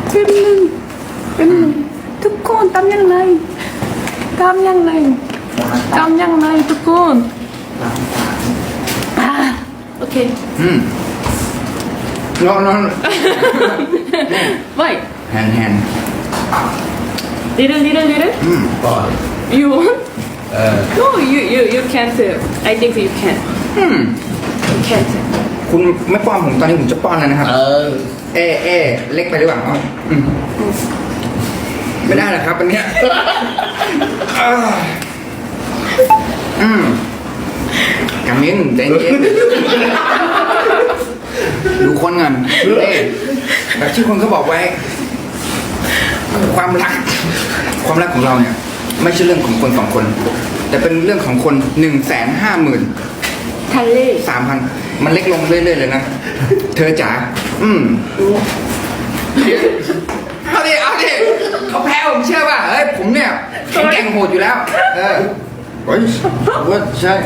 เป็นทุกคนทำยังไงทุกคนโอเคนอน why แฮน little ก่อน you want no you can't I think you can you can't คุณไม่ป้อนผมตอนนี้ผมจะป้อนแล้วนะครับเล็กไปหรือเปล่าไม่ได้หรอกครับอันเนี้ยกามินใจเย็นดูคนกันแบบที่คนเขาบอกไว้ ความรักของเราเนี่ยไม่ใช่เรื่องของคน2 คน แต่เป็นเรื่องของคน 150,000 ทะเล 3,000 มันเล็กลงเรื่อยๆเลยนะเธอจ๋าเอาดิเขาแพ้ผมเชื่อป่ะเฮ้ยผมเนี่ยแข็งแกร่งโหดอยู่แล้วเฮ้ยว่าใช่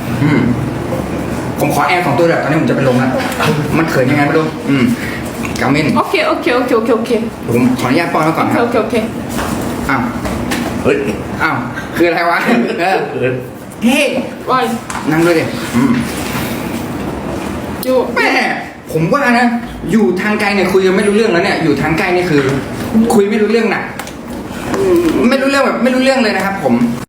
ผมขอแอร์2 ตัวแบบตอนนี้ผมจะไปลงแล้วมันเขินยังไงไม่รู้กามินโอเคผมขออนุญาตป้อนไว้ก่อนครับโอเคอ้าวเฮ้ยอ้าวคืออะไรวะเฮ้ย why นั่งด้วยดิแม่ผมว่านะอยู่ทางไกลเนี่ยคุยกันไม่รู้เรื่องแล้วเนี่ยอยู่ทางใกล้นี่คือ คุยไม่รู้เรื่องน่ะไม่รู้เรื่องแบบไม่รู้เรื่องเลยนะครับผม